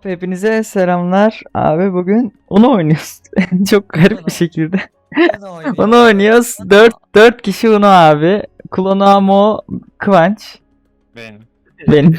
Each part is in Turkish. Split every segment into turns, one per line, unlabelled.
Hop hepinize selamlar. Abi bugün onu oynuyoruz. Çok garip bir şekilde. Onu oynuyoruz. 4 kişi Uno abi. Klonamo, Kıvanç. Benim.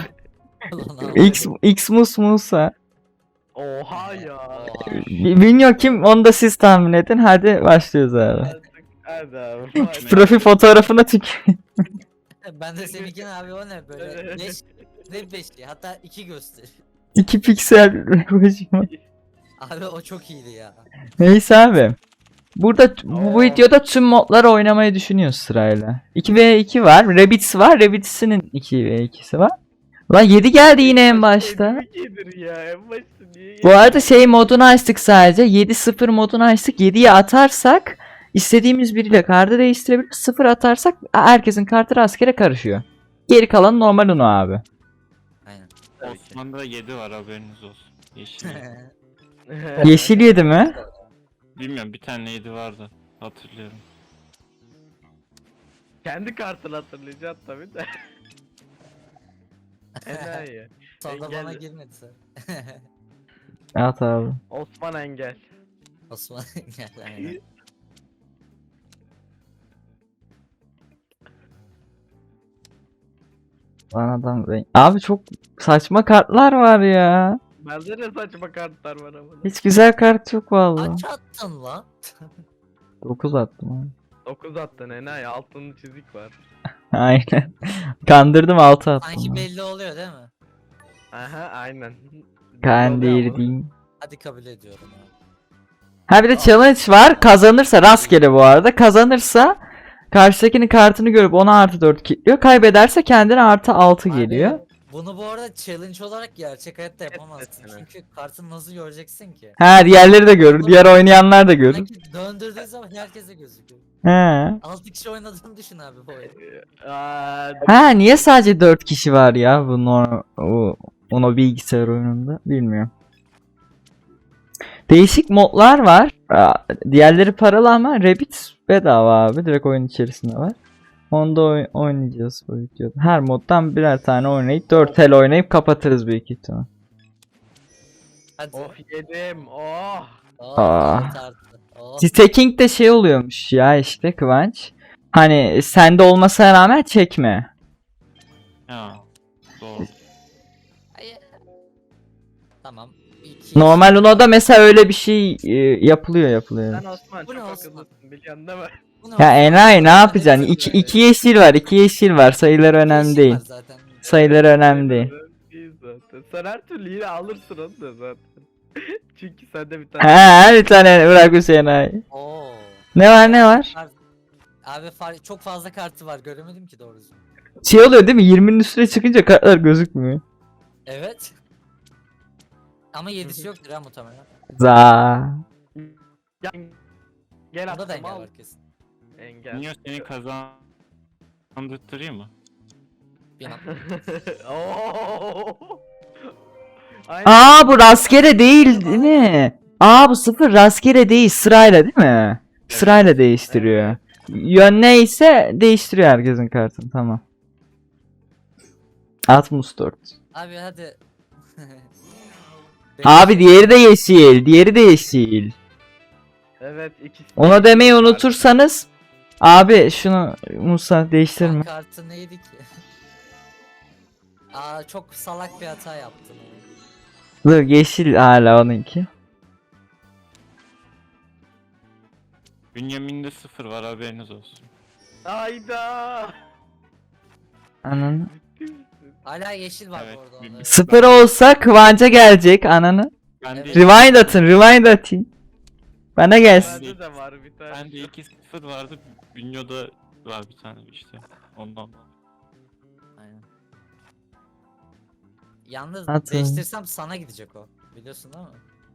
Xmus Musa.
Oha ya.
Bilmiyorum kim, onu da siz tahmin edin. Hadi başlıyoruz abi.
Hadi abi.
Profil fotoğrafına tüküreyim.
Ben de seninkini abi, o ne böyle 5 ne 5'li, hatta 2 göster.
2 piksel.
Abi o çok iyiydi ya.
Neyse abi. Burada bu videoda tüm modları oynamayı düşünüyoruz sırayla. 2v2 var. Rabbids var. Rabbids'in 2v2'si var. Lan 7 geldi yine en başta.
Gelir ya en başta niye
Bu arada şey modunu açtık sadece. 7-0 modunu açtık. 7'yi atarsak istediğimiz biriyle kartı değiştirebiliriz. 0 atarsak herkesin kartı rastgele karışıyor. Geri kalan normal Uno abi.
Aynen.
Osman'da 7 var, haberiniz olsun. Yeşil.
Yeşil 7 mi?
Bilmiyorum, bir tane 7 vardı. Hatırlıyorum.
Kendi kartını hatırlayacaksın tabii de. Enayi.
Sonra
Engel.
bana girmedi sen.
At abi.
Osman Engel.
Osman gel aynen.
Lan adam renk. Abi çok saçma kartlar var ya.
Bende de saçma kartlar var ama.
Hiç güzel kart yok vallahi.
Kaç attın lan?
9 attım abi.
9 attın enayi, altında çizik var.
Aynen. Kandırdım 6 attım.
Sanki
abi.
belli oluyor değil mi?
Aha aynen.
Kandırdım.
Hadi kabul ediyorum abi.
Ha bir de challenge var. Kazanırsa rastgele bu arada. Kazanırsa karşıdakinin kartını görüp ona artı 4 kilitliyor. Kaybederse kendine artı 6
Abi,
geliyor.
bunu bu arada challenge olarak gerçek hayatta yapamazsın.
Evet, evet.
Çünkü kartını nasıl göreceksin ki?
Ha diğerleri de görür. Diğer oynayanlar da görür.
Sanki döndürdüğü zaman herkese gözüküyor.
He.
6 kişi oynadığını düşün abi bu oyunu.
Ha niye sadece 4 kişi var ya bu Uno bilgisayar oyununda bilmiyorum. Değişik modlar var. Diğerleri paralı ama Rabbids bedava abi. Direkt oyun içerisinde var. Onu da oynayacağız bu videoda. Her moddan birer tane oynayıp 4 el oynayıp kapatırız büyük ihtimal.
Hadi.
Of yedim. Oh.
Oh,
Aa.
evet artık. Oh.
Staking de şey oluyormuş ya işte Kıvanç. Hani sende olmasına rağmen çekme.
Ya. Doğru.
Ay- Tamam. İki-
Normal Uno'da mesela öyle bir şey yapılıyor.
Sen Osman
Bu ne
çok
Osman?
akıllısın biliyorsun değil mi?
Bu ne
Ya
oldu?
enayi ne yapacaksın?
Hepsi böyle.
İki yeşil var, 2 yeşil var. Sayıları önemli
Yeşil
değil.
var zaten.
Sayıları önemli değil.
Değil zaten. Sen her türlü yine alırsın onu da zaten. Çünkü sende bir tane.
Ha bir tane bırak Hüseyin enayi.
Oo.
Ne var?
Abi çok fazla kartı var, göremedim ki doğrusu.
Şey oluyor değil mi? 20'nin üstüne çıkınca kartlar gözükmüyor.
Evet. Ama 7'si yoktur ha muhtemelen.
Za.
Gel
Bunda da
attım
engel
al.
var kesin.
Engel.
Niye seni kazandırtırayım mı?
Bilmem.
Oo. Aynen.
Aa bu rastgele değil mi? Aa bu 0 rastgele değil, sırayla değil mi? Sırayla değiştiriyor. Yön neyse değiştiriyor herkesin kartını, tamam. 64.
Abi hadi.
Abi diğeri de yeşil, diğeri de yeşil.
Evet ikisi.
Ona demeyi unutursanız abi şunu Musa değiştirme.
Kartı neydi ki? Aa, çok salak bir hata yaptın.
Dur yeşil hala onunki.
Bünyamin'de 0 var, haberiniz olsun.
Hayda.
Ananı.
Hala yeşil var
Evet,
bu arada.
bilmiyorum.
onda.
0 olsa Kıvanç'a gelecek ananı.
Ben
Evet.
de,
Rewind atın, rewind atın. Bana gelsin.
Bende de var bir tane.
ben de 2-0 vardı. Bünyo'da var bir tane işte. Ondan.
Aynen. Yalnız
Atın.
değiştirsem sana gidecek o. Biliyorsun değil mi?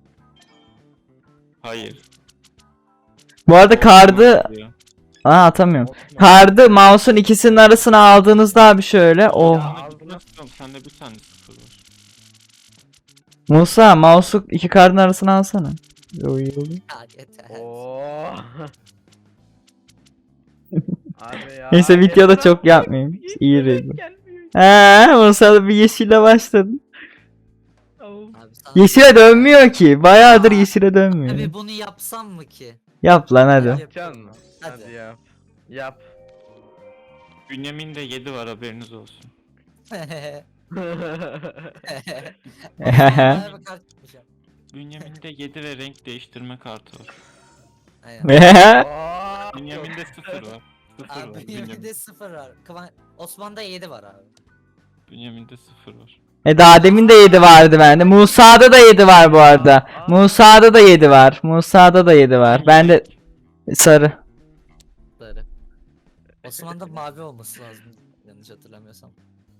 Hayır.
Bu arada kardı atamıyorum.
Osman.
Kardı mouse'un ikisinin arasına aldığınızda abi şöyle. Oh.
Ya, sende bir tane 0 var.
Musa mouse'u iki kardın arasına alsana. Yo, iyi olur.
Ya yeter.
Oo. Abi ya.
Neyse videoda
yeter
çok
abi.
yapmayayım.
Hiç
İyi
yemek
rezil.
gelmiyor.
Musa da bir yeşille başladın.
Tamam.
Abi Sana-
Yeşile dönmüyor ki. Bayağıdır yeşile dönmüyor.
Abi bunu yapsam mı ki?
Yap lan hadi.
Yapacaksın mı?
Hadi.
Hadi yap. Yap.
Bünyamin'de 7 var, haberiniz olsun.
Bana bir kart çıkmayacağım.
Bünyamin'de 7 ve renk değiştirme kartı var.
Aynen.
Aa!
Bünyamin'de 0 var. 0
Abi
var.
Bünyamin'de 0 var. Osman'da 7 var abi.
Bünyamin'de 0 var.
Daha demin de 7 vardı bende. Musa'da da 7 var bu arada. Musa'da da 7 var. Musa'da da 7 var. Bende sarı.
Sarı. Osman'da mavi olması lazım. Yanlış hatırlamıyorsam.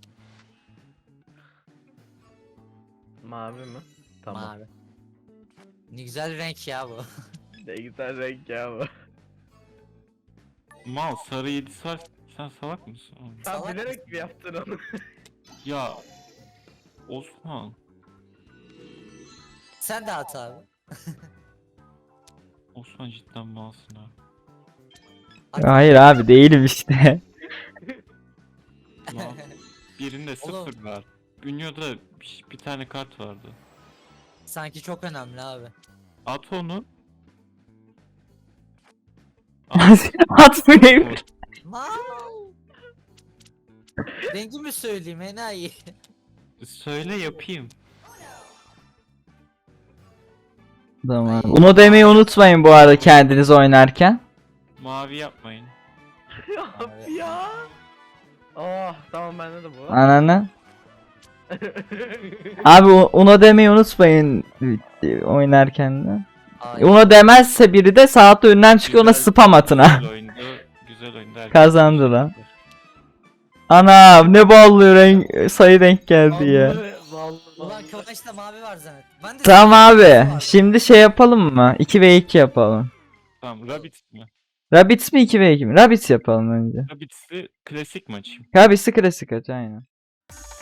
Mavi mi? Tamam.
Mavi. Ne güzel renk ya bu.
Ne güzel renk ya bu.
Mal sarı 7'si var. Sen salak mısın oğlum?
Sen
Salak
bilerek mi yaptın onu?
Ya Osman.
Sen de at abi.
Osman cidden malsın ha.
At.
Hayır abi değilim işte.
Mal. Birinde
Oğlum.
0 var. Bünyo'da bir tane kart vardı.
Sanki çok önemli abi.
At onu.
Atmayayım.
Mal. Rengi mi söyleyeyim enayi?
Söyle yapayım.
Tamam. Uno demeyi unutmayın bu arada kendiniz oynarken.
Mavi yapmayın.
Abi ya. Oh tamam bende de bu.
Ananı. Abi Uno demeyi unutmayın oynarken de.
Ay.
Uno demezse biri de saatte önünden çıkıyor ona spam atın ha.
Güzel oyundu. Güzel oyundu. herkes
Kazandı lan.
teşekkürler.
Ana ne ballı renk sayı denk geldi ya.
Vallahi, vallahi.
Ulan Kıvanç'ta mavi var zannet. Ben de
Tamam
mavi
abi.
var.
Şimdi şey yapalım mı? 2v2 yapalım.
Tamam, Rabbids mi?
Rabbids mi 2v2 mi? Rabbids yapalım önce.
Rabbids'i klasik mi açayım?
Rabbids'i klasik aç aynen.